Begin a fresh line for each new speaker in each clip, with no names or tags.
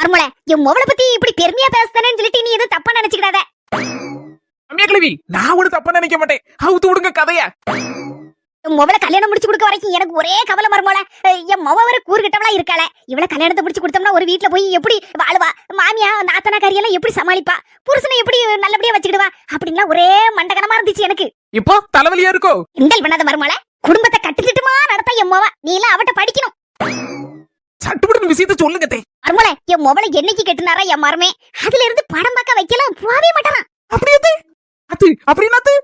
மர்மல என் மொவளை பத்தி இப்படி பெருமையா பேசுறேன்னு சொல்லிட்டு நீ எதுவும் தப்பா நினைச்சுக்கிடாத.
அம்மியா கிழவி, நான் ஒரு தப்பா நினைக்க மாட்டேன். அவுத்து விடுங்க கதைய.
என் மொவளை கல்யாணம் முடிச்சு கொடுக்க வரைக்கும் எனக்கு ஒரே கவலை மர்மல. என் மொவ வர கூறுகிட்டவளா இருக்காள. இவளை கல்யாணத்தை முடிச்சு கொடுத்தோம்னா ஒரு வீட்டுல போய் எப்படி வாழுவா, மாமியா நாத்தனா கரியெல்லாம் எப்படி சமாளிப்பா, புருஷனை எப்படி நல்லபடியா வச்சுக்கிடுவா அப்படின்லாம் ஒரே மண்டகனமா இருந்துச்சு எனக்கு.
இப்போ தலைவலியா இருக்கோ?
கிண்டல் பண்ணாத மர்மல. குடும்பத்தை கட்டுத்திட்டுமா நடத்த என் மொவ. நீ எல்லாம் அவட்ட படிக்கணும்.
சட்டுப்பட்டு விஷயத்த சொல்லுங்க தே.
மர்மல என் மொவளை என்னைக்கு கெட்டுனாரா என் மருமே, அதுல இருந்து படம் பார்க்க வைக்கலாம் போவே மாட்டாரான்.
அப்படியே தே. அது அப்படினா தே.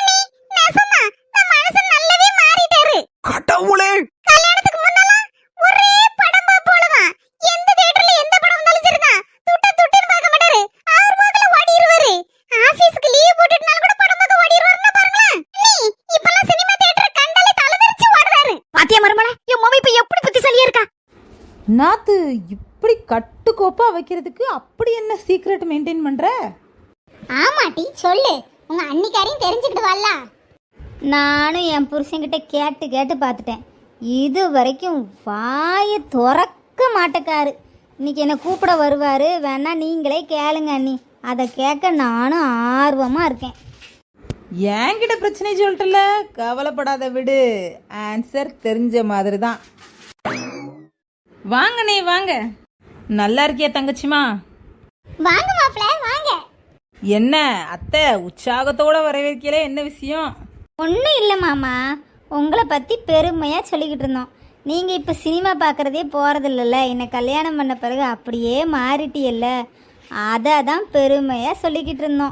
கடவுளே,
கல்யாணத்துக்கு முன்னால ஒரே படம் பாப்போலதான். எந்த தியேட்டர்ல எந்த படம் வந்தாலும் சரிதான், துட்டுன்னு பார்க்க மாட்டாரு. அவர் போகல ஓடிடுவாரு. ஆபீஸ்க்கு லீவ் போட்டுட்டனால கூட படம் பார்க்க ஓடிடுவாருன்னா பாருங்களேன். நீ இப்பலாம் சினிமா தியேட்டர் கண்டாலே தலைவரிச்சு ஓடுறாரு. பாத்தியா மருமல, என் மொபைல் இப்ப எப்படி புத்திசாலியா இருக்கா.
நாத்து இப்படி கட்டுக்கோப்பா வைக்கிறதுக்கு அப்படி என்ன சீக்ரெட் மெயின்டைன் பண்ற?
ஆமாட்டி சொல்லு, உங்க அன்னிக்காரையும் தெரிஞ்சுக்கிடுவாள்ல. நானும் என் புருஷன்கிட்ட கேட்டு பார்த்துட்டேன். இது வரைக்கும் வாயை திறக்க மாட்டேக்காரு. இன்னைக்கு என்னை கூப்பிட வருவார், வேணா நீங்களே கேளுங்க அண்ணி. அதை கேட்க நானும் ஆர்வமாக இருக்கேன்.
என்கிட்ட பிரச்சனை சொல்லிட்டல, கவலைப்படாத விடு. ஆன்சர் தெரிஞ்ச மாதிரி தான். வாங்கண்ணே வாங்க. நல்லா இருக்கியா தங்கச்சிமா?
வாங்க மாப்பிள்ள வாங்க.
என்ன அத்தை உற்சாகத்தோட வரவேற்கல, என்ன விஷயம்?
ஒன்றும் இல்லை மாமா, உங்களை பற்றி பெருமையாக சொல்லிக்கிட்டு இருந்தோம். நீங்கள் இப்போ சினிமா பார்க்குறதே போகிறதில்லல்ல, என்னை கல்யாணம் பண்ண பிறகு அப்படியே மாறிட்டியல்ல, அதை தான் பெருமையாக சொல்லிக்கிட்டு இருந்தோம்.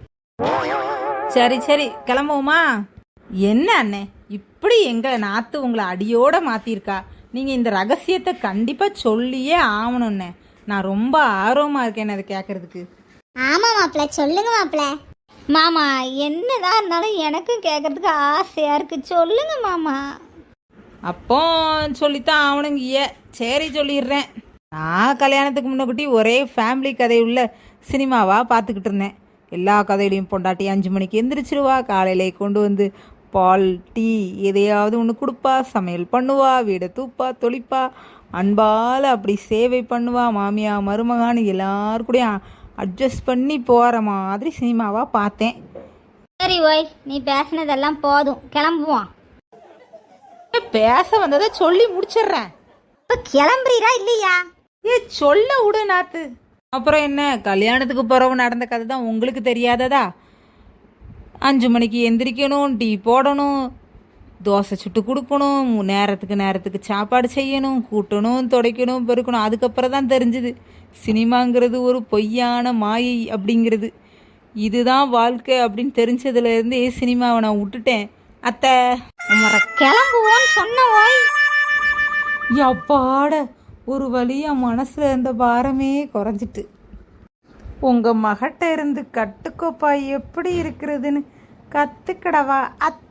சரி கிளம்புவோமா? என்ன அண்ணே இப்படி எங்க நாத்து உங்களை அடியோட மாத்திருக்கா? நீங்க இந்த ரகசியத்தை கண்டிப்பா சொல்லியே ஆகணும்னே. நான் ரொம்ப ஆர்வமா இருக்கேன் அதை கேட்கறதுக்கு.
ஆமாம் மாப்பிள்ள, சொல்லுங்க மாப்பிள்ள. மாமா என்னதான் இருந்தாலும் எனக்கும் கேட்கறதுக்கு ஆசையாக இருக்குது, சொல்லுங்க மாமா.
அப்போ சொல்லித்தான் ஆகணுங்க. சரி சொல்லிடுறேன். நான் கல்யாணத்துக்கு முன்னக்கூட்டி ஒரே ஃபேமிலி கதையுள்ள சினிமாவாக பார்த்துக்கிட்டு இருந்தேன். எல்லா கதையிலையும் பொண்டாட்டி 5 மணிக்கு எந்திரிச்சிருவா, காலையிலே கொண்டு வந்து பால் டீ எதையாவது ஒன்று கொடுப்பா, சமையல் பண்ணுவா, வீடை தூப்பா தொளிப்பா, அன்பால் அப்படி சேவை பண்ணுவா, மாமியா மருமகான்னு எல்லாருக்கூடையும் அட்ஜஸ்ட் பண்ணி போகிற மாதிரி சினிமாவாக பார்த்தேன்.
சரி ஓய், நீ பேசினதெல்லாம் போதும், கிளம்புவோம்.
பேச வந்ததை சொல்லி முடிச்சிடுறேன்.
இப்போ கிளம்புறீரா இல்லையா?
சொல்ல விடு நாத்து. அப்புறம் என்ன, கல்யாணத்துக்கு பிறகு நடந்த கதை தான் உங்களுக்கு தெரியாததா? 5 மணிக்கு எந்திரிக்கணும், டீ போடணும், தோசை சுட்டு கொடுக்கணும், நேரத்துக்கு சாப்பாடு செய்யணும், கூட்டணும், துடைக்கணும், பெருக்கணும். அதுக்கப்புறம் தான் தெரிஞ்சுது சினிமாங்கிறது ஒரு பொய்யான மாயை அப்படிங்கிறது. இதுதான் வாழ்க்கை அப்படின்னு தெரிஞ்சதுலேருந்தே சினிமாவை நான் விட்டுட்டேன் அத்தை.
கிளம்புவோன்னு சொன்ன ஓய்.
எப்பாட ஒரு வழியா மனசுல இருந்த பாரமே குறைஞ்சிட்டு. உங்க மகட்ட இருந்து கட்டுக்கோப்பா எப்படி இருக்கிறதுன்னு கத்துக்கடவா அத்தை.